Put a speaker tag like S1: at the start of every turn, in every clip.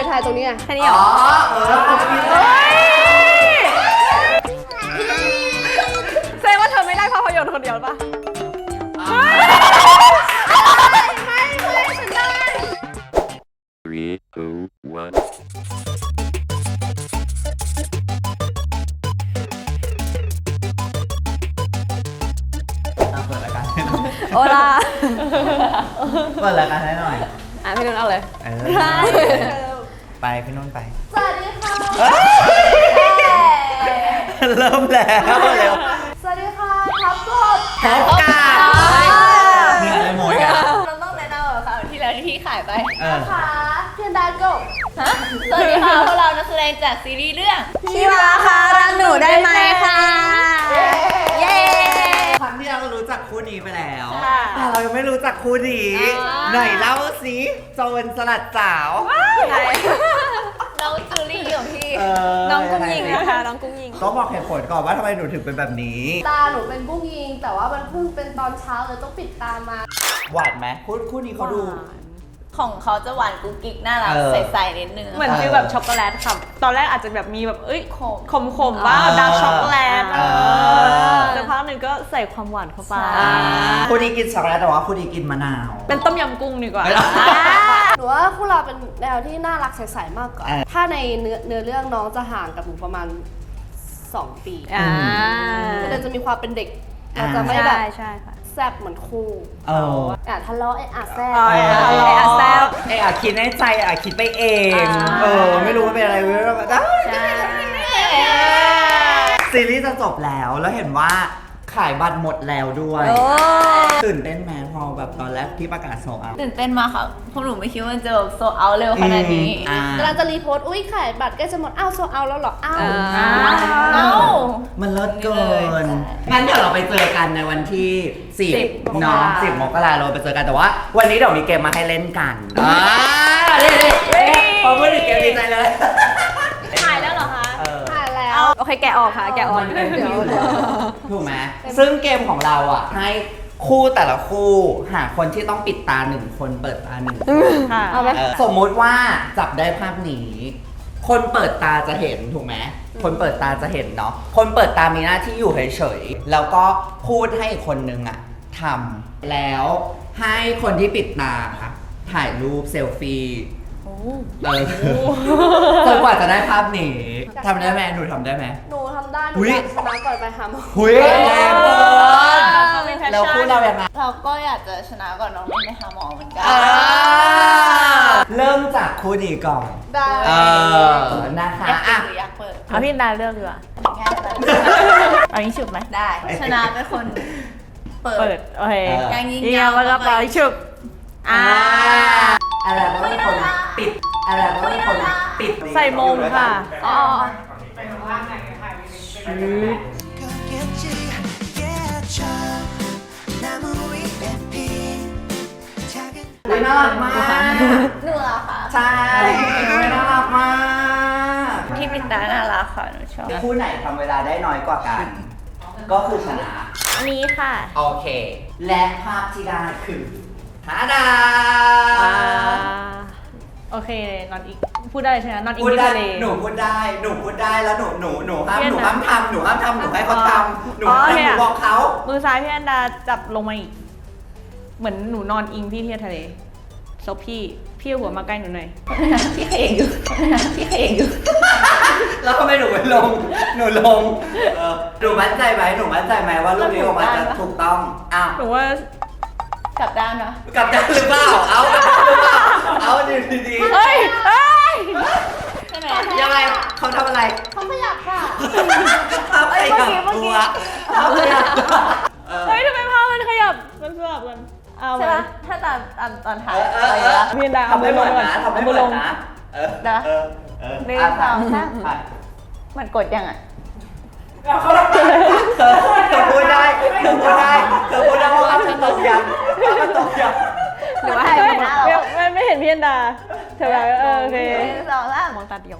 S1: ถ่ายตรงนี้ไง
S2: แค่นี้เหรอแสดงว่าเธอไม่ได้ภาพยนตร์คนเดียวป่ะ
S1: ไม่ฉันได้
S3: 3, 2, 1.
S4: เปิดรายการ
S2: โอลา
S4: เปิดรายการให้หน่อย
S2: พี่นุ่นเอาเลย
S4: ไปพี่นุ่นไป
S1: สวัสดีค่ะ
S4: เริ่มแล้วเร็ว
S1: สวัสดีค่ะครับกบ
S4: พบกับนี่อะไรโมยกัน
S2: เราต้องแนะนำแบบค่ะที่แล้วที่ขายไป
S1: ค่ะเพียนดากบ
S2: สวัสดีค่ะพวกเรานักแสดงจากซีรีส์เรื่องพี่วาค่ะรักหนูได้ไหมค่ะเย้
S4: ครั้งที่เรารู้จักคู่นี้ไปแล้ว
S2: ค่ะ
S4: แต่เรายังไม่รู้จักคู่นี้หน่อยเล่าสิโจรสลัดสาว
S2: น้องจูลี่ของพี่
S4: น้องกุ้งยิง
S2: นะคะน้องกุ้งยิง
S4: ต้องบอกเหตุผลก่อนว่าทำไมหนูถึงเป็นแบบนี้
S1: ตาหนูเป็นกุ้งยิง แต่ว่ามันเพิ่งเป็นตอนเช้าเลยต้องปิดตามา
S4: หวานไหมคู่นี้เขาดู
S5: ของเขาจะหวานกุ๊กกิ๊กน่ารัก
S4: เออ
S5: ใสๆนิดนึง
S2: เหมือนฟีลแบบช็อกโกแลตค่ะตอนแรกอาจจะแบบมีแบบเอ้ยขมบ้างดาร์กช็อกโกแลตแต่พักหนึ่งก็ใส่ความหวานเข้าไป
S4: คู่นี้กินช็อกโกแลตแต่ว่าคู่นี้กินมะนาว
S2: เป็นต้มยำกุ้งดีกว่า
S1: หนูว่าคู่เราเป็นแนวที่น่ารักใสๆมากกว่า
S4: อ่า
S1: ถ้าในเนื้อเรื่องน้องจะห่างกับหนูประมาณ 2 ปี ก็เลยจะมีความเป็นเด็กเราจะไม่แบบ
S2: ใช่ค่ะ
S1: แซ่บเหมือนคู่ ทะเลาะแซ่บ
S2: แซ่บ
S4: คิดในใจคิดไปเอง ไม่รู้ว่าเป็นอะไรไม่รู้ว่าได้ ซีรีส์จะจบแล้วเห็นว่าขายบัตรหมดแล้วด้วยตื่นเต้นไหมพอแบบตอนแรกที่ประกาศโซลเอาท์
S5: ตื่นเต้นมากค่ะพวกหนูไม่คิดว่ามันจะแบบโซเอาเร็วขนาดนี้
S1: กำลังจะรีโพสต์อุ้ยขายบัตรใกล้จะหมดอ้าวโซเอาแล้วเหรออ้าว
S5: เอ้า
S4: มันเลิศเกินงั้นเดี๋ยวเราไปเจอกันในวันที่10เนาะ10 มกราเราไปเจอกันแต่ว่า วันนี้เดี๋ยวมีเกมมาให้เล่นกันเล่นพอพูดถึงเกมดีใจเลย
S2: ถ่ายแล้วเหรอคะ
S1: ถ่ายแล้ว
S2: โอเคแกะออกค่ะแกะออก
S4: มันเป็นที่อยู่แล้วถูกไหมซึ่งเกมของเราอ่ะให้คู่แต่ละคู่หาคนที่ต้องปิดตา1 คนเปิดตา1 คน
S2: ค่ะ
S1: เอาไหม
S4: สมมุติว่าจับได้ภาพนี้ คนเปิดตาจะเห็นถูกไหมคนเปิดตาจะเห็นเนาะคนเปิดตามีหน้าที่อยู่เฉยๆแล้วก็พูดให้อีกคนนึงอ่ะทำแล้วให้คนที่ปิดตาถ่ายรูปเซลฟี่จนกว่าจะได้ภาพนี้ทำได้ไหมหนูทำได้ไหม
S1: หนูทำได้หนู
S4: อุ๊ย
S1: อยากชนะก่อนไปหาหมอ
S4: หุยแรงเกินแล้วคู่เรายังไง
S5: เราก็อยากจะชนะก่อนน้องไม่ไปหาหมอเหมือนกัน
S4: เริ่มจากคู่นี้ก่อน
S1: ได้
S4: นะคะ
S5: อยากเปิ
S4: อ่ะ
S5: ดหรืออยากเปิด
S2: เอาพี่ดาเลือกดีกว่า
S5: ง่ายเลย
S2: เอานี้ฉุบไหม
S5: ได้ ชนะเป็นคนเปิ
S2: เปิ
S5: ด
S2: ดโอเค
S5: ยังยิง
S2: ยาวแล้วก็ปล่อยฉุบ
S4: อะไรก็เป็นคนปิดอะไรก็เป็นคนปิด
S2: ใส่มงค่ะอ๋อ
S4: น่ารักมาก
S5: หนูเหรอคะ
S4: ใช่น่ารักมาก
S5: ที่ปิดตาน่ารักค่ะหนูชอบ
S4: คู่ไหนทำเวลาได้น้อยกว่ากัน ก็คือชนะ
S2: อันนี้ค่ะ
S4: โอเค และภาพที่ได้คือฮาดา
S2: โอเคนอนอีกพูดได้ใช่ไหมนอนอีก
S4: พูด
S2: ที่
S4: ได้
S2: ทะเล
S4: หนูพูดได้แล้วหนูห้าม
S2: เพี้ยน
S4: หนู
S2: นะ
S4: ห้ามทำหนูให้เขาทำหนู
S2: อ๋อ
S4: ให้
S2: โอเค
S4: หนู
S2: อะ
S4: บอกเขา
S2: มือซ้ายพี่อันดาจับลงมาอีก เหมือนหนูนอนอิงพี่ที่ทะเลซบพี่เอาหัวมาใกล้หนูหน่อย
S5: พี่เขยงอยู่พี่เขยงอยู่
S4: แล้วทำไมหนูไม่ลงหนูลงหนูมั่นใจไหมว่ารูปนี้ออกมาจะถูกต้องอ้าว
S2: หนูว่า
S5: กลับด้านเนาะ
S4: กลับได้หรือเปล่าเอากลับได้หรือเปล่าเอาดีๆ
S2: เฮ้ย
S5: ใช่ไหม
S4: ยังไงเขาทำอะไร
S1: เขาขยับค่ะ
S4: เขาขยับตัวเขาขยับตัว
S2: เฮ้ยทำไมภาพมันขยับมันสลับกันเอา
S5: ใช่
S2: ไป
S5: ปะถ้าตอนถ่าย
S2: พี่อันดาเอา
S4: ทำไม่เหมือนนะ
S2: เอา
S4: ทำไม่เห
S2: มื
S4: มื
S2: อ
S4: อ
S2: ล
S4: น
S2: ง
S4: นะ
S5: หนึ่งสองสามมันกดยังอ่ะ
S4: เธอพูดได้ว่าฉันตกยังตกยัง
S5: หรือว่าให้มันหน้าเรา
S2: ไม่เห็นพี่อันดาเธอแบบโอเค
S5: หนึ่งสองสาม
S2: มองตาเดียว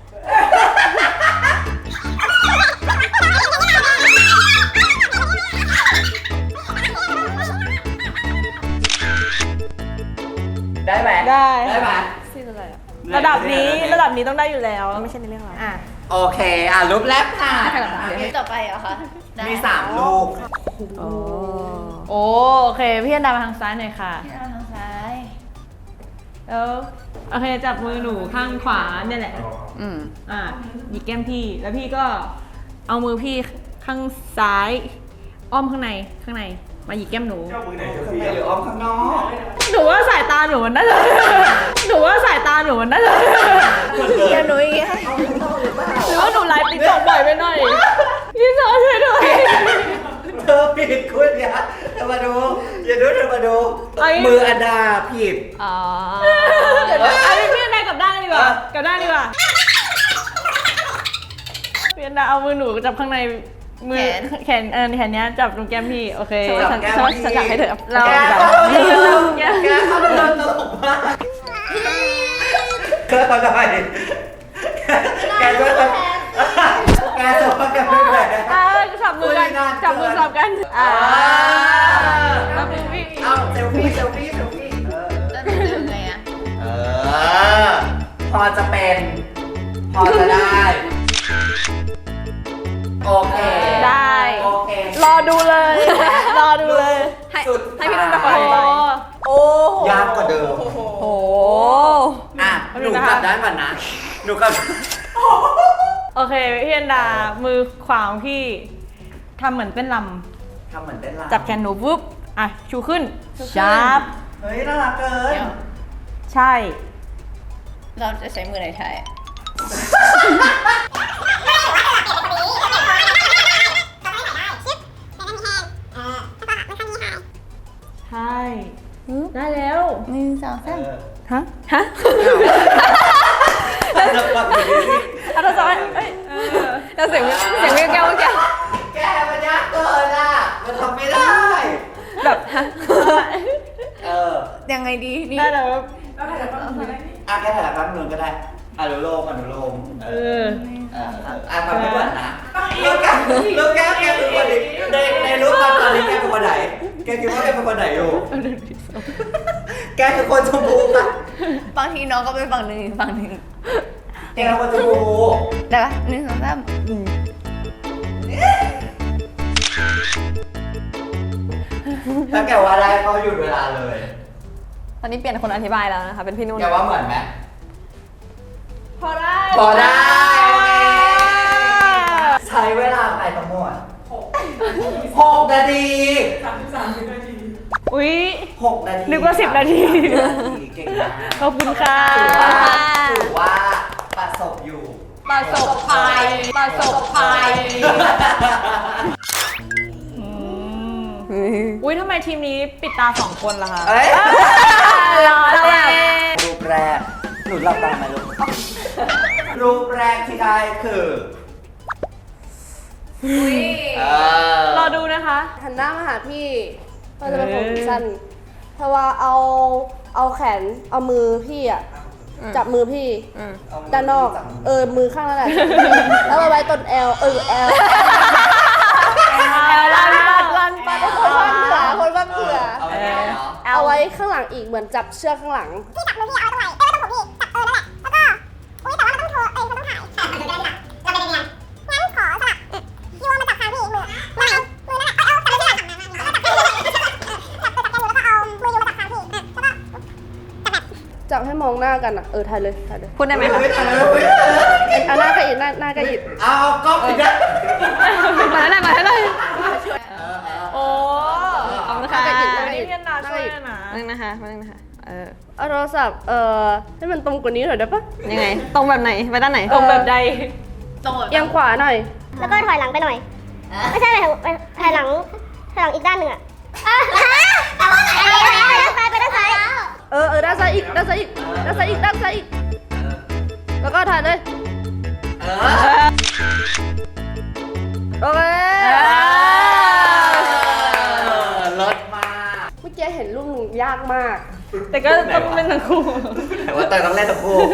S4: ได้ไหม
S2: ได้
S4: ได้ไหม
S2: ซีนอะไรอ่ะระดับนี้ต้องได้อยู่แล้วไม่ใช่ในเรื่องเรา
S5: อ่ะ
S4: โอเครูปแรกค่ะ
S5: ต่อไปเหรอคะได้
S4: มี3รูป
S2: โอเคพี่อันดามาทางซ้ายหน่อยค่ะ
S5: ที่เราทางซ้าย
S2: โอเคจับมือหนูข้างขวาเนี่ยแหละ
S5: อืม
S2: หยิกแก้มพี่แล้วพี่ก็เอามือพี่ข้างซ้าย อ้อมข้างในมาหยิกแก้มหนู
S4: ข้างในหรืออ้อมข้างนอก
S2: หนูว่าสายตาหนูมันน่าจะ
S5: เดี๋ยวหนูอีกค่ะ
S2: หรือว่าหนูไลฟ์ติ๊กต็อกบ่อยไปหน่อยพี่สอนช่วยด้วย
S4: เธอผิดคุณเนี่ยเธอมาดูอย่าดูเธอมาดู มืออันดาผิด
S5: อ๋อ
S2: เอาพี่อันดากลับด้านดีกว่ากลับด้านดีกว่าพี่อันดาเอามือหนูจับข้างในมือแขนแขนเนี้ยจับตรงแก้มพี่โอเค
S4: จับแก้มพี่
S2: ฉันอยากให้เธอเรา
S4: แก
S2: แบบ
S4: เข้าไปเดินตลกมากเธอมาหน่อยแกช่วยแกส่งมากันไม่แพ้
S2: จับมือกันจับมือสลับกันแล้วมือพี่
S4: เอาเซลฟี่
S5: แล้วหนูดึงไงอ่ะ
S4: พอจะเป็น พอจะได้ โอเค
S2: ได้
S4: โอเค
S2: รอดูเลย
S4: สุด
S2: ให้พี่นุ่นเป็นคนอธิบาย
S4: ยากกว่าเดิม
S2: โอ้
S4: อ่ะ หนูกลับด้านก่อนนะ หนูกลับ
S2: โอเคพี่อันดามือขวาของพี่ทำเหมือนเป็นล
S4: ทำเหมือนเต้นรำ
S2: ำจับแขนหนูปุ๊บชูขึ้นชาร์ป
S4: เฮ้ย น่ารักเกิน
S2: ใช่
S5: เราจะใช้มือไหนใช้
S2: ใช่ได้แล้ว
S5: 1 2 3
S2: ฮะ
S4: จะกลับไปดิ
S2: อันต่อไปแล้วเสียงแก้ว
S4: แกมันยากเกินอ่ะ มันทำไม่ได้
S2: แบบฮะ
S5: ยังไงดีนี่
S2: ได้แล้ว
S4: อ่ะแกถ่ายแป๊บนึงก็ได้อนุโลมทำให้ก่อนนะลูกแกเป็นคนไหนในรูปตอนนี้แกเป็นคนไหน แกคิดว่าแกเป็นคนไหนอยู่ แกคือคนชมพูป่ะ
S5: บางทีน้องก็ไปฝั่งหนึ่งอีกฝั่งหนึ่ง
S4: แกเป็นคนชมพู
S5: ได้ปะ1 2 3
S4: ถ้าแกว่าได้ก็หยุดเวลาเลย
S2: ตอนนี้เปลี่ยนคนอธิบายแล้วนะคะเป็นพี่นุ่น
S4: แกว่าเหมือนไหม
S2: พอได้
S4: พอได้ใช้เวลาไปทั้งหมด6 นาที
S2: อุ๊ย
S4: 6 นาที
S2: นึกว่า10 นาที
S4: เก่งมาก
S2: ขอบคุณค่ะ
S4: ถือว่าประสบอยู่
S2: ประสบภัยอุ๊ยทำไมทีมนี้ปิดตา2 คนล่ะคะ
S4: เอ้ย
S2: รอแล้ว
S4: รูปแรก หนูหลับตาไหมลูก รูปแรกที่ได้คือเออ
S2: รอดูนะคะ
S1: หันหน้ามาหาพี่ก็จะเป็นผมสั้นเพราะว่าเอาแขนเอามือพี่อะจับมือพี่ด้านนอกมือข้างนั่นแหละแล้วมาไว้ต้นแอลแอลลันปัดคนบ้านเผื่อ
S4: เอาไว้ไหนเนาะ
S1: เอาไว้ข้างหลังอีกเหมือนจับเชือกข้างหลัง
S6: พี่จับมือพี่เอาไว้ตรงไหนต้องผมพี่จับนั่นแหละแล้วก็อุ้ยแต่ว่ามันต้องโทรมันต้องถ่ายเราไปเรียนเราไปเรียนงั้นขอสลับยูมาจับทางพี่มือมือนั่นแหละเอาจับมือพี่จับมือแล้วก็เอามือยูมาจับทางพี่แล้วก็จับแบบ
S1: จับให้มองหน้ากันอ่ะถ่ายเลย
S2: พูดได้ไหมคะ
S4: ไม่ทันเลย
S1: เอาหน้าก็อีกหน้าก็อีก
S4: เอาก๊อปอีกนะ
S2: มาให้หน่อยโอ้
S1: ขอบคุณค่ะ
S2: นี่พี่อันดาช่วยนะ
S5: นึงนะคะ
S1: เอาโทรศัพท์ให้มันตรงกว่านี้หน่อยได้ปะ
S5: ยังไง ตรงแบบไหน ไปด้านไหน
S2: ตรงแบบใด
S1: เอียงขวาหน่อย
S6: แล้วก็ถอยหลังไปหน่อยไม่ใช่ถอยหลังอีกด้านหนึ่งอ่ะไปด้านซ้าย
S1: ด้านซ้ายอีกด้านซ้ายอีกแล้วก็ถ่ายเลยโอเค
S4: รถมาก
S1: เมื่อกี้เห็นรูปหนูยากมาก
S2: แต่ก็ต้องเป็นทั้งคู่
S4: แต่ว่าต้องเล่นทั้งคู่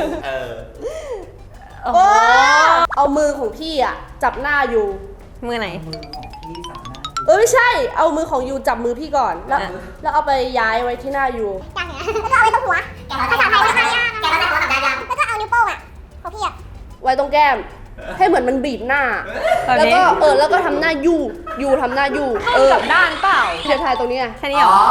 S1: เอามือของพี่อ่ะจับหน้าอยู่
S5: มือไหน
S1: ไม่ใช่ เอามือของยูจับมือพี่ก่อน แล้วเอาไปย้ายไว้ที่หน้ายู
S6: แล้วก็เอาไว้ตรงหัวแกเราจะใช้แกเราจะหัวกับดา
S1: ไว้ตรงแก้ม ให้เหมือนมันบีบหน้า แล้วก็แล้วก็ทำหน้ายูทำหน้ายู
S2: กับด้านเปล่า
S1: เทียทายตรงนี้ไง
S2: แค่นี้เหรอ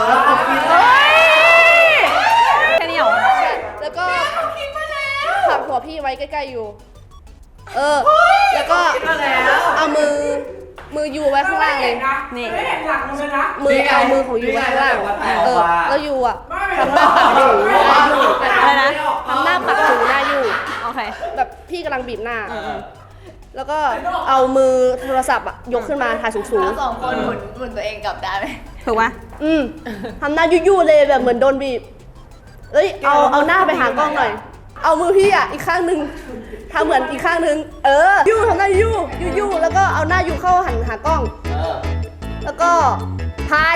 S2: แค่นี้เหรอ
S1: แล้วก็ผลักหัวพี่ไว้ใกล้ๆอยู่แล้วก็เอามือยูไว้ข้างล่างเลย
S2: นี่
S1: เอามือของยูไว้ข้างล่างแล้วยูอ่ะทำหน้าปักหูหน้ายู
S2: อะไรนะ
S1: ทำหน้าปักหูหน้ายู
S2: โอเค
S1: แบบพี่กำลังบีบหน้าแล้วก็เอามือโทรศัพท์อ่ะยกขึ้นมาถ่ายสูง
S5: เราสองคนหมุนตัวเองกลับได้ไหม
S2: ถูกปะ
S1: ทำหน้ายูๆเลยแบบเหมือนโดนบีบเอาหน้าไปหากล้องหน่อย เอามือพี่อ่ะอีกข้างหนึ่งทำเหมือนอีกข้างหนึ่งยูทำหน้ายูแล้วก็เอาหน้ายูเข้าหันหากล้องแล้วก็ทาย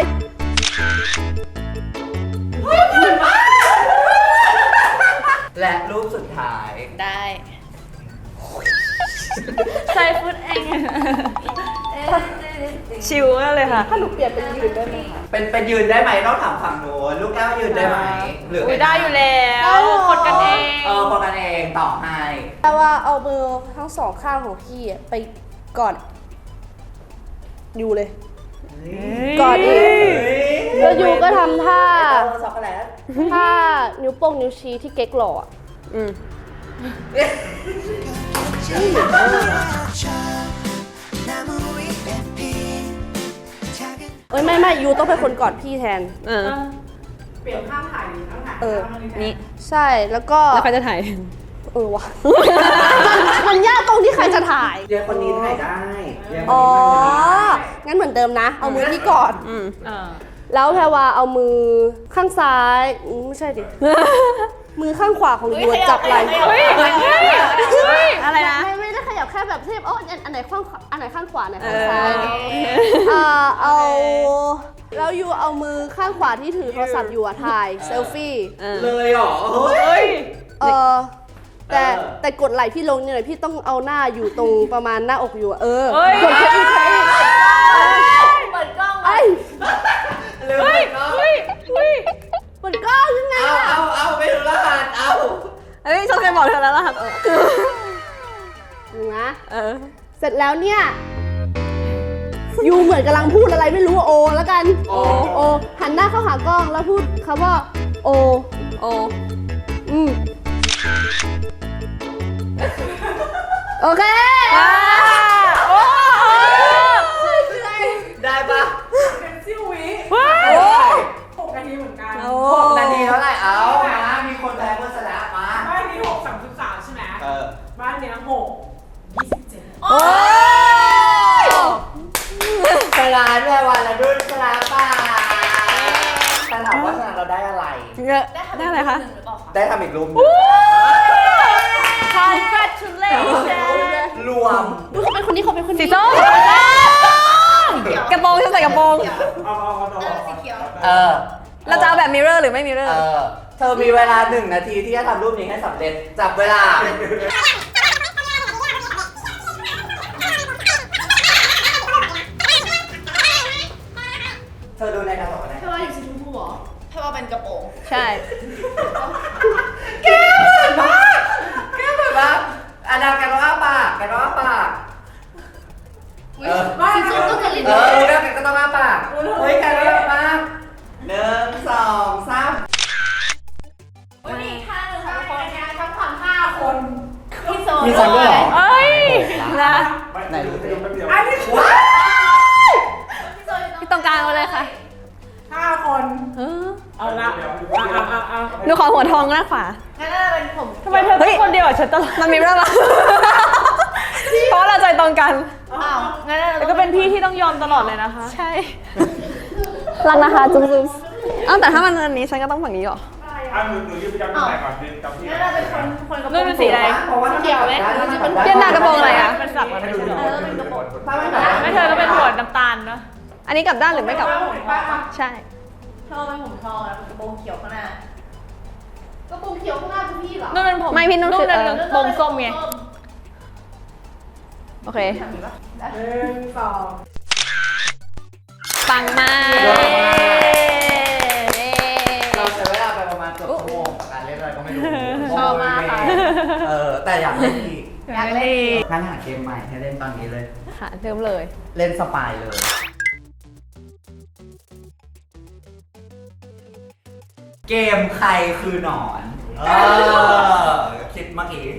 S4: และรูปสุดท้าย
S5: ได้
S2: ใส่ฟุตเอง ชิวมากเลยค่ะ
S1: ถ้าหนูเปลี่ยนเป็นยืนได้ไหมคะ
S4: เป็นยืนได้ไหมต้องถามฝั่งโน้นลูกแก้วยืนได้ไหมหรือ
S2: อุ้ยได้อยู่แล้วคนกันเอง
S4: คนกันเองต่อให้
S1: แต่ว่าเอามือทั้งสองข้างของพี่อะไปกอดยูเลยกอดอีกแล้วยูก็ทำท่า
S4: ช็อกโกแลต
S1: ถ้านิ้วโป้งนิ้วชี้ที่เก๊กหล่ออ่ะไม่ยูต้องเป็นคนกอดพี่แทน
S7: เปลี่ยนข้างถ่ายหรือข้างถ่าย
S2: นี่
S1: ใช่แล้วก็
S2: แล้วใครจะถ่าย
S1: วะมันยากตรงที่ใครจะถ่าย
S4: เดี๋ยวคนนี้ถ่ายได้เดี๋ยวคน
S1: อ๋อ
S4: นี้ถ่ายได้
S1: งั้นเหมือนเดิมนะ เอามือพี่กอด
S2: อ่า
S1: แล้วแพรวาเอามือข้างซ้ายไม่ใช่ดิ มือข้างขวาของยูอะจับไหล่
S2: เฮ้ยอะไรนะ
S1: ไม่ได้ขยับแค่แบบเทียบอันไหนข้างขวาอันไหนข้างขวาอันไหนข้างซ้ายเอาแล้วยูเอามือข้างขวาที่ถือโทรศัพท์อยู่อะถ่ายเซลฟี่
S4: เลยเหรอเฮ้ย
S1: แต่กดไหล่พี่ลงเนี่ยหน่อยพี่ต้องเอาหน้าอยู่ตรงประมาณหน้าอกอยู่อะ
S2: เฮ้ย
S1: กดแค่อีก
S5: เปิดกล้อง
S1: ไอ้
S4: ลืมไปเนาะ
S1: เปิดกล้องยังไงอะ
S4: เอาไม่รู้รหัสเอา
S2: เฮ้ยฉันเคยบอกเธอแล้วล่ะครับ
S1: ดูนะเสร็จแล้วเนี่ยยูเหมือนกำลังพูดอะไรไม่รู้โอแล้วกันโอหันหน้าเข้าหากล้องแล้วพูดคำว่าโอโอเค
S4: ได้ปะ
S7: เป็นซิ่ววิ 6 นาทีเหมือนกัน
S4: 6 นาทีเท่าไหร่เอานะมีคนแพ้คนชนะมา
S7: บ้านนี้6 33ใช่ไหมบ้านเนี้ย6 27
S4: ชนะด้วยวันละรุ่นชนะป่ะแต่ถามว่าชนะเราได้อะไร
S2: ได้อะไรคะ
S4: ได้ทำอีกรูป
S2: Congratulations
S4: รวม
S1: เขาเป็นคนนี้เขาเป็นคนนี้
S2: สีส้มกระโปรงฉันใส่กระโปรง
S5: สีเขียว
S2: เราจะเอาแบบมิเรอร์หรือไม่มิเรอร์
S4: เธอมีเวลา1 นาทีที่จะทำรูปนี้ให้สำเร็จจับเวลาเธอดูในกระจกนะ
S1: แค่ว่าอยู่สีชมพูเหรอ
S5: ถ้าว่าเป็นกระโปรง
S2: ใช่
S4: แก้เหมือนมากแก้เหมือนมากอันนั้นกันว่าปากกันว่าปาก
S1: สีส้มต้องกระลิ่น
S4: รู้แล้วกันก็ต้องว่าปากเฮ้ยกันว่าปาก1 2 3
S5: วันนี้ข้างหนึ่งค่ะทุกคน
S7: ทั้งฝั่ง5 คน
S5: พี่โซ
S4: มีคนด้วยเหรอ
S2: เอ้ยนะ
S4: ไหนรู้สิ
S7: อันนี้
S4: ว้าย
S2: พี่ตรงกลางมาเลยค่ะ
S7: 5 คนเอาละเอา
S2: หนูขอหัวทองด้านขวา
S5: งั้นน่าจะเป็นผม
S2: ทำไมเธอเป็นคนเดียวกับฉันตลอดมันมิเรอร์ปะเพราะเราใจตรงกัน
S5: อ้าวงั้นน่าจะ
S2: แล้วก็เป็นพี่ที่ต้องยอมตลอดเลยนะคะ ใช่
S1: รักนะคะจุ๊บ
S2: อ้าวแต่ถ้ามันอันนี้ฉันก็ต้องฝั่งนี้เหรอ
S8: หนูยืนประจำที่ไหนก่อนยืนจำที่
S5: งั้นน่าจะเป็นคนกระโปร
S2: นู่น
S5: ง
S2: เป็นสีอะไร
S4: เพราะว่าถ้าเกี่ยวไหม
S2: เย็นหน้ากระโปรงอะไรอ่ะเป็นสักมันไม่ใช่เหรอ
S4: ถ้าไม่แบบ
S2: ไม่เธอก็เป็นหัวน้ำตาลเนาะอันนี้กลับด้านหรือไม่กลับ ใช่
S5: เธอเป็นผมทองแล้วเป็นกระโปรงเขียวข้างหน้าก
S1: ระโปรงเขียวข้างหน้าคือพี่เหรอ
S2: นู่นเป็นผมไม่พี่นุ่นคือโปรงส้มไงโอเค
S7: 1 2
S2: ปังมาก
S4: เราใช้เวลาไปประมาณเกือบชั่วโมงกับการเล่นอะไรก็ไม่รู้
S5: ชอบมากค่ะ
S4: แต่อยากเล่นอีก
S5: อยากเล่นอีก
S4: งั้นหาเกมใหม่ให้เล่นตอนนี้เลย
S5: ค่ะเริ่มเลย
S4: เล่นสปายเลย เกมใครคือหนอนคิดเมื่อกี้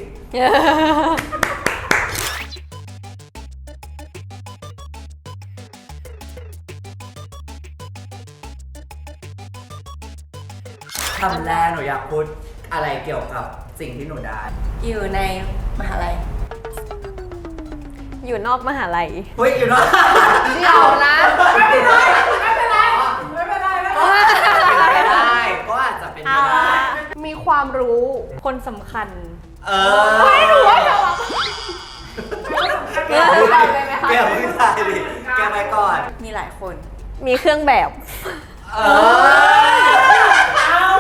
S4: คำแรกหนูอยากพูดอะไรเกี่ยวกับสิ่งที่หนูได้
S5: อยู่ในมหาลัย อยู่นอกมหาลัย
S4: เฮ้ยอยู่เนอะ
S1: เดี๋ยวนะ
S7: ไม่เป็นไรไม่เป็นไรไม่เป็นไร
S4: ได้ก็อาจจะเป็นไปได้
S1: มีความรู้
S2: คนสำคัญ
S4: เออไม่รู้ว่าจะแกไม่ได้ดิแกไปก่อน
S5: มีหลายคน มีเครื่องแบบ
S4: เออ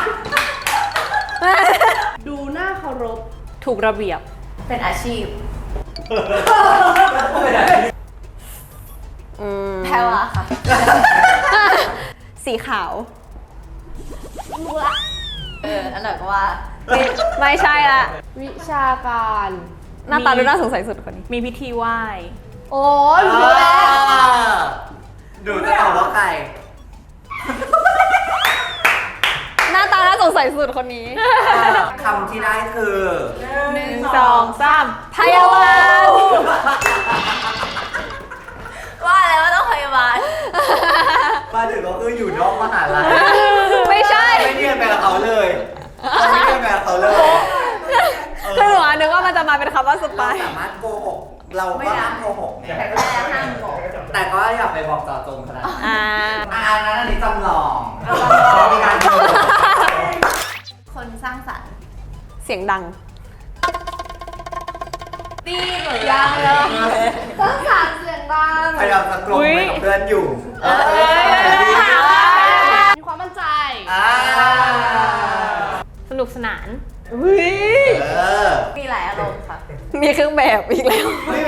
S1: ดูหน้าเคารพ
S2: ถูกระเบียบ
S5: เป็นอาชีพ แพรวาค่ะ สีขาว นั่นแหละก็ว่า ไม่ใช่ละ
S1: วิชาการ
S5: หน้าตาดูน่าสงสัยสุดคนนี้
S2: มีพิธีไหว้
S1: โอ้ยรู้แล้ว
S4: ดูจะตอบว่าใคร
S5: หน้าตาน่าสงสัยสุดคนนี้
S4: คำที่ได้คือ
S2: 1 2 3
S5: พยาบาล ว่าแล้วว่าต้องพยาบาล
S4: มาถึงก็คืออยู่นอกมหาลัย
S5: ไม่ใช่
S4: ไม่เรียนแบบเขาเลยไม่เรียนแบบเขาเลย
S5: คือหนูนึกว่ามันจะมาเป็นคำว่าส
S4: เรา
S5: ปาย
S4: สามารถโกหก เราก็ห้ามโกหกไงแต่ก็อย่าไปบอกต่อจงขนาดนั้น อันนั้นอันนี้จำลองมีการโกหก
S5: คนสร้างสรรค์ เสียงดัง
S1: ยังเลยต้องสารเสียงดัง
S4: พยายามจะกลมไปกับเพื่อนอยู่
S1: มีความมั่นใจ
S2: สนุกสนาน
S5: มีหลายอารมณ์ค่ะ มีเครื่องแบบอีกแล้ว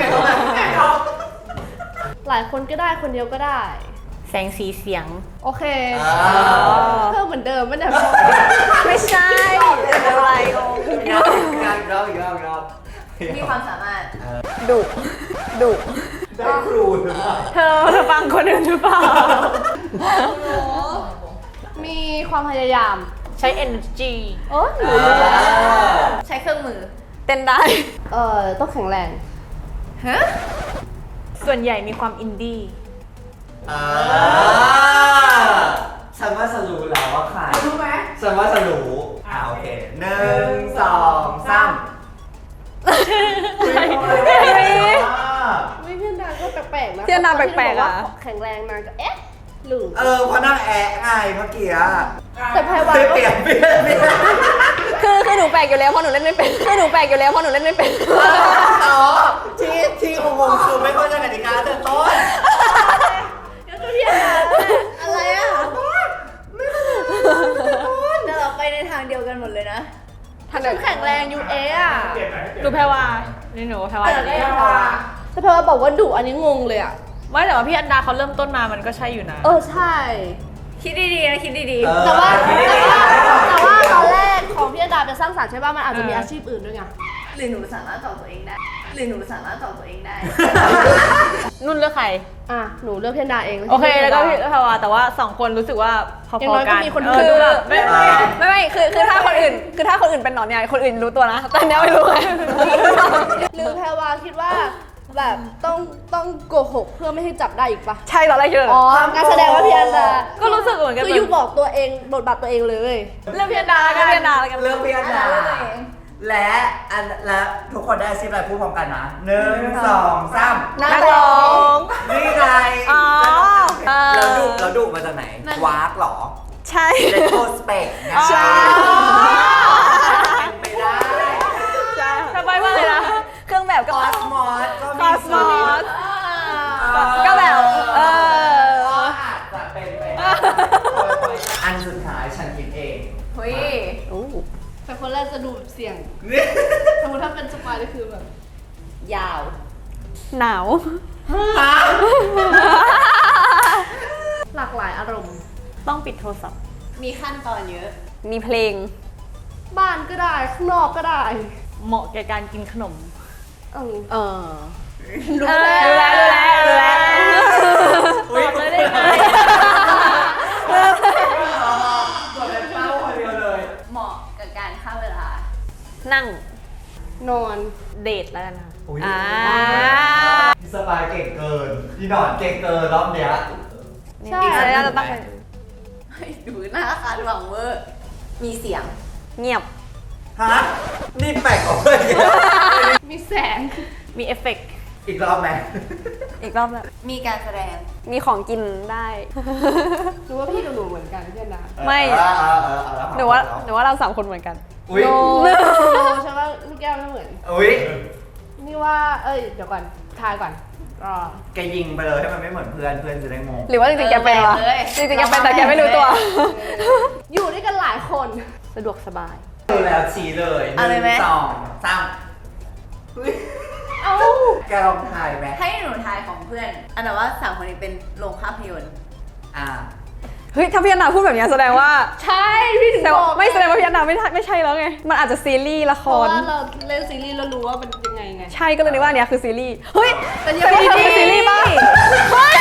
S1: หลายคนก็ได้คนเดียวก็ได้
S2: แสงสีเสียง
S1: โอเคเพิ่มเหมือนเดิมไม่ได้
S5: ไม่ใช่อะไร
S4: อีกรอบ
S5: มีความสามารถ ดุ
S4: ได้ครูหรือเปล่า
S2: เธอฟังคนอื่นหรือเปล่า
S1: มีความพยายาม
S2: ใช้ energy
S1: โอ้หนูรู้แล้ว
S5: ใช้เครื่องมือ เต้นได้
S1: ต้องแข็งแรง
S2: ส่วนใหญ่มีความอินดี้
S4: ฉันว่าฉันรู้แล้วว่าใคร
S7: รู้ไหม
S4: ฉันว่าฉันรู้โอเค1 2 3
S1: ไม่เพื่อนนางก็แปลกๆนะ
S5: เพื่อนนางแปลกๆอะ
S1: แข็งแรงนางก็เอ๊ะหรือ
S4: เพราะนั่งแอะไงเมื่อกี้อะ
S1: แต่แพรวา
S4: เปลี่ยน
S5: คือหนูแปลกอยู่แล้วเพราะหนูเล่นไม่เป็น
S4: อ๋อที่งงคือไม่เข้าใจกติกาแต่ต้น
S5: อะไรอ่ะแต่เราไปในทางเดียวกันหมดเลยนะทางเดียว
S1: แข็งแรงยูเอะอะ
S8: เปลี่ยนไหนให้เปลี่ยน
S2: ดูแพรวานี่หนูแพรวา
S1: แต่แพรวาบอกว่าดุอันนี้งงเลยอะ
S2: ไม่แต่ว่าพี่อันดาเขาเริ่มต้นมามันก็ใช่อยู่นะ
S1: ใช่
S5: คิดดีๆนะคิดดี
S1: แต่ว่าตอนแรกของพี่อดาเป็นสร้างสรรค์ใช่ป่ะมันอาจจะมีอาชีพอื่นด้วยไง
S5: ๆหรือหนูสามารถตอบตัวเองได้
S2: นุ่นเลือกใคร
S1: หนูเลือกพี่อดาเอง
S2: โอเคแล้วก็พี่แพรวาแต่ว่า2คนรู้สึกว่าพอ
S1: อย่างน้อย
S2: ๆ
S1: ก็
S2: กัน
S1: มีคน
S2: คือ
S1: ดู
S2: แบบไม่
S5: ไม่คือถ้าคนอื่นเป็นหนอนใหญ่คนอื่นรู้ตัวนะแต่เนี้ยไม่รู้ไง
S1: หรือแพรวาคิดว่าแบบต้องโกหกเพื่อไม่ให้จับได้อีกปะ
S5: ใช่ตอนแรกเยอะ
S1: งั้นแสดงว่าพี่อดา
S2: ก็รู้สึกเหมือนกัน
S1: คือยูบอกตัวเองบทบาทตัวเองเลย
S2: เลือกพี่อันดาแล้วกัน
S5: เรียนนานแล้วกัน
S4: เลือกพี่อันดาและทุกคนได้อาชีพอะไรพูดพร้อมกันนะ1 2 3
S5: นักร้อง
S4: นี่ไง
S5: อ๋อ
S4: แล้วดุมาจากไหนวากเหรอ
S5: ใช่
S4: เลโทสเปก
S5: ใช่
S4: เป็นไปได้
S2: ทำไมว่าเลยนะ
S5: เครื่องแบบก็
S4: คอสมอสก็มี
S5: Cosmos ก็แบบ
S4: อาจจะเป็นไปได้อันสุดท้ายฉันคิดเอง
S5: เฮ้ย
S1: แต่คนแรกจะดูแบบเสี่ยงสมมติถ้าเป็นสปายก็คือแบบ
S5: ยาว หนาว
S1: หลากหลายอารมณ์
S2: ต้องปิดโทรศัพท์
S5: มีขั้นตอนเยอะ มีเพลง
S1: บ้านก็ได้ข้างนอกก็ได้
S2: เหมาะแก่การกินขนม
S1: เออ
S2: รู้แล้วบอกเลยได้ไง
S5: เหมาะกับการฆ่าเวลา
S2: นั่ง
S1: นอน
S2: เดทแล้วกันค่ะ
S4: อุ๊ย
S9: พี่สบายเก่งเกินพี่หนอนเก่งเกินรอบเนี้ย
S1: ใช่
S2: แล้วจะต้อง
S5: ดูหน้าคาดหวังเวอร์มีเสียง
S2: เงียบ
S9: ฮะนี่แปลกของเลย
S1: มีแสง
S2: มีเอฟเฟกต์
S9: อีกรอบไหม
S2: อีกรอบแบบ
S5: มีการแสดง
S2: มีของกินได้
S1: รู้ว่าพี่กับหนูเหมือนกันพี่นะ
S2: ไม่ หนูว่าเรา3 คนเหมือนกัน
S9: อุ้ย
S1: โนใช่ว่าลูกแก้วไม่เหมือน
S9: อุ้ย
S1: นี่ว่า เดี๋ยวก่อนทายก่อนรอ
S9: แกยิงไปเลยให้มันไม่เหมือนเพื่อนจะได้งง
S2: หรือว่าจริงๆแกเป็นวะ
S5: เลย
S2: จริงๆแกเป็นแต่แกไม่รู้ตัว
S1: อยู่ด้วยกันหลายคน
S2: สะดวกสบาย
S9: ดูแล้วชี้เลยห
S5: เอาเลยไหม
S9: นึ่งสองสาม
S1: เอ้า
S9: แกลองถ่ายไหม
S5: ให้หนูทายของเพื่อน อันนั้นว่า3 คนนี้เป็นโรงภาพยนตร์
S9: อ่า
S2: เฮ้ย ถ้าพี่อนาพูดแบบนี้แสดงว่า
S1: ใช่พี่ถึง
S2: แต่
S1: บอก
S2: ไม่แสดงว่าพี่อนาไม่ใช่แล้วไง มันอาจจะซีรีส์ละค
S1: เพราะ
S2: ร
S1: ว่าเราเล่นซีรีส์แล้วรู้ว่ามันยังไงไง
S2: ใช่ก็เลยนึกว่าอันเนี้ยคือซีรีส์ เฮ้ย
S1: แต่ยัง
S2: แต่ว่าเธอเป็นซีรีส์ป่ะเฮ้ย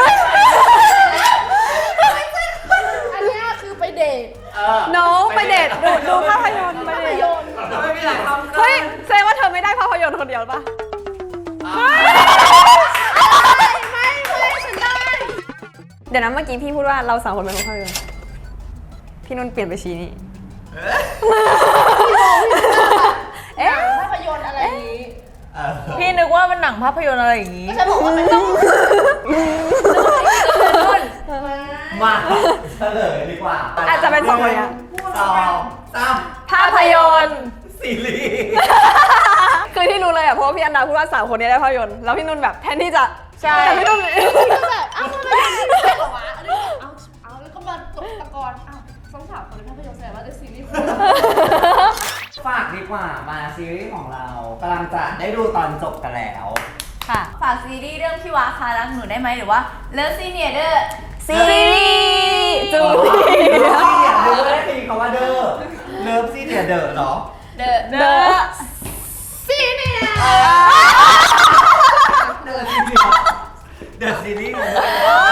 S1: อันเนี้ยคือไปเดท
S2: น้องไปเดทดูภาพยนตร์ไป
S1: ภาพ
S2: เดท
S1: ยนตร์
S9: ไม่มีหลายคำ
S2: เฮ้ยแสดงว่าเธอไม่ได้ภาพยนตร์คนเดียวป่ะ
S1: ไม่ฉันได้
S2: เดี๋ยวนะเมื่อกี้พี่พูดว่าเรา3 คนเป็นคนภาพยนตร์พี่นุ่นเปลี่ยนไปชี้นี่
S1: เอ๊ะภาพยนตร์อะไรอย่างนี้
S2: พี่นึกว่าเป็นหนังภาพยนตร์อะไรอย่างนี้
S1: ฉันบอกว่ามันต้อง
S9: มาเฉลยดีกว่า
S2: อาจจะเป็น2 คนเนี้ย
S9: สองสาม
S2: ภาพยนตร์
S9: ซีรีส์
S2: คือที่รู้เลยอ่ะเพราะว่าพี่อันดาพูดว่า3 คนนี้ได้ภาพยนตร์แล้วพี่นุ่นแบบแทนที่จะใช่แต่พี่นุ่น
S1: ก็แบบเอ้าทำไมมันไม่ได้เหรอวะอันนี้เอาแล้วก็มาตกตะกอนเอ้าต้องถามคนในภาพยนตร์แสดงว่าได้ซีรีส์คู่
S4: ฝากดีกว่ามาซีรีส์ของเรากำลังจะได้ดูตอนจบกันแล้ว
S2: ค่ะ
S5: ฝากซีรีส์เรื่องพี่วาคารักหนูได้ไหมหรือว่าเลิฟซีเนียเดอร์
S2: ซีรีส์จู
S9: เลิฟ
S2: เนี
S9: ซี
S2: ย
S9: เนี่ยเดอร์ได้ยินคำว่าเดอร์เลิฟซีเนี่ยเดอร์เนาะ
S5: เดอะ
S2: เดอะ
S1: ซีเนีย
S9: เดอร์ซีเนี่ยเดอร์ซีรีส์ของเรา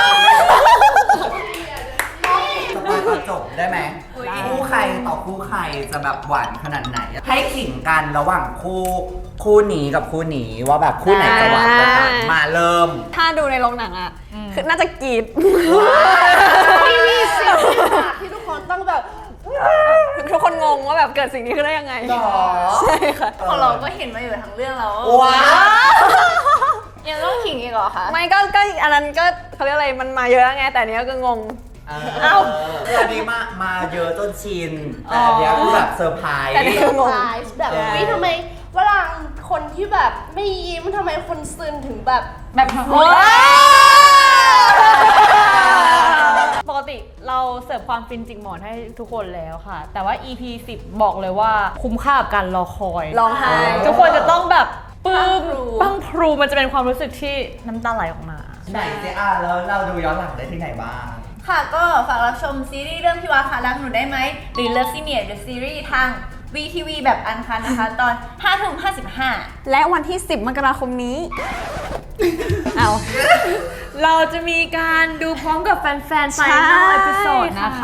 S9: สปอยตอนจบได้ไหมคู่ใครต่อคู่ใครจะแบบหวานขนาดไหน ให้ขิงกันระหว่างคู่นี้กับคู่นี้ว่าแบบคู่ไหนจะหวานกว่ากันมาเริ่ม
S2: ถ้าดูในโรงหนังอ่ะคือน่าจะกรีด
S1: พี่มีเสียงที่ทุกคนต้องแบบ
S2: ทุกคนงงว่าแบบเกิดสิ่งนี้ขึ้นได้ยังไง
S9: หรอ
S2: ใช่ค่ะ
S5: ของเราก็เห็นมาอยู่ทั้งเรื่องแล้ว
S9: ว้าว
S5: ยังต้องขิงอีกเหรอคะ
S2: ไม่ก็อันนั้นก็เขาเรียกอะไรมันมาเยอะไงแต่อันเนี้ยก็งง
S9: เอ้าอันนี้มาเยอะจนชิน แต่อันเนี้ยคือแบบเซอร์ไพรส์
S2: แต่นี่คืองง
S1: ไพรส์แบบวิทำไมเวลาคนที่แบบไม่ยิ้มทำไมคนซึนถึงแบบ
S2: ปกติเราเสิร์ฟความฟินจิกหมอนให้ทุกคนแล้วค่ะ แต่ว่า EP 10 บอกเลยว่าคุ้มค่ากับการรอคอยร้องไห้ทุกคนจะต้องแบบปลื้มปังพรูมันจะเป็นความรู้สึกที่น้ำตาไหลออกมา
S9: ไหนเจ๊แล้วเราดูย้อนหลังได้ที่ไหนบ้าง
S5: ค่ะก็ฝากรับชมซีรีส์เรื่องพี่วาคารักหนูได้ไหมหรือ Love Senior The Series ทาง VTV แบบอันคันนะคะ ตอน 5:55
S2: และวันที่ 10 มกราคมนี้ เอาเราจะมีการดูพร้อมกับแฟนๆ
S5: ใช่
S2: Final Episode นะคะ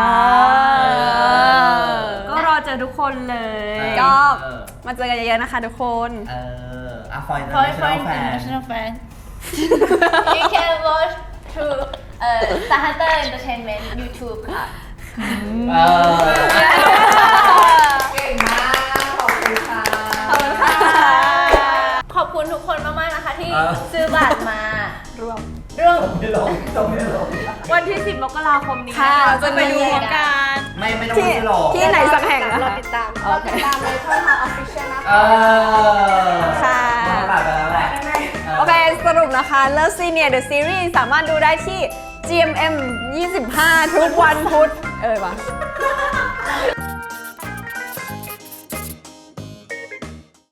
S2: ก็รอเจอทุกคนเลย ก็มาเจอกันเยอะๆนะคะทุกคน
S9: For
S5: For
S9: International Fan
S5: International Fan You can watch through Star Hunter Entertainment YouTube ค่ะ
S9: เก่งมาก ขอบคุณค่ะ
S5: ขอบคุณทุกคนมากๆนะคะที่
S9: เออ
S5: ซื้อบัตรมา
S2: ร่วม
S5: เรื่อง
S9: ไม่ลงต้องไม่ลง
S2: วันที่ 10 มกราคมนี้
S5: ค่ะ
S2: เราจะไปดูพร้อมกัน
S9: ไม่ต้องไม่ลง
S2: ที่ไหนสักแห่งนะ
S1: เรา
S2: คะ
S1: ติดตามในช่องทางออฟฟิเชียลนะคะ
S2: ค่ะ
S9: ตัดไปแล้วแหละ
S2: โอเค สรุปนะคะ Love Senior The Series สามารถดูได้ที่ GMM 25 ทุกวันพุธ วะ